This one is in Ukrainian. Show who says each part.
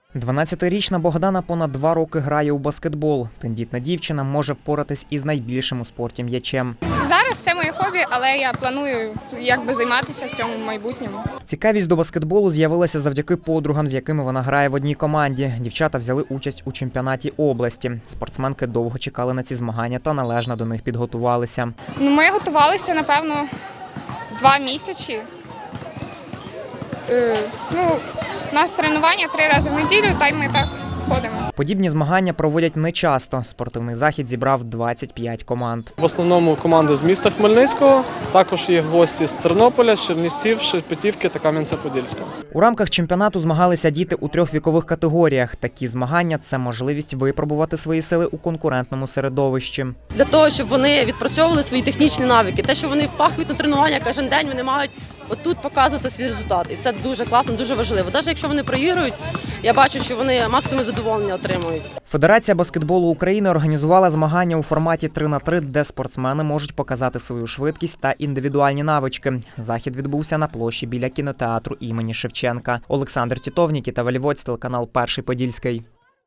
Speaker 1: 12-річна Богдана понад 2 роки грає у баскетбол. Тендітна дівчина може впоратись із найбільшим у спорті м'ячем.
Speaker 2: Зараз це моє хобі, але я планую займатися в цьому в майбутньому.
Speaker 1: Цікавість до баскетболу з'явилася завдяки подругам, з якими вона грає в одній команді. Дівчата взяли участь у чемпіонаті області. Спортсменки довго чекали на ці змагання та належно до них підготувалися.
Speaker 2: Ми готувалися, напевно, 2 місяці. У нас тренування 3 рази в неділю, та й ми так ходимо.
Speaker 1: Подібні змагання проводять нечасто. Спортивний захід зібрав 25 команд.
Speaker 3: В основному команди з міста Хмельницького, також є гості з Тернополя, з Чернівців, Шепетівки та Кам'янця-Подільського.
Speaker 1: У рамках чемпіонату змагалися діти у 3 вікових категоріях. Такі змагання – це можливість випробувати свої сили у конкурентному середовищі.
Speaker 4: Для того, щоб вони відпрацьовували свої технічні навики. Те, що вони впахують на тренування кожен день, вони мають отут показувати свій результат. І це дуже класно, дуже важливо. Навіть якщо вони проігрують, я бачу, що вони максимум задоволення отримують.
Speaker 1: Федерація баскетболу України організувала змагання у форматі 3х3, де спортсмени можуть показати свою швидкість та індивідуальні навички. Захід відбувся на площі біля кінотеатру імені Шевченка. Олександр Тітов, Нікіта Валівоць, телеканал «Перший Подільський».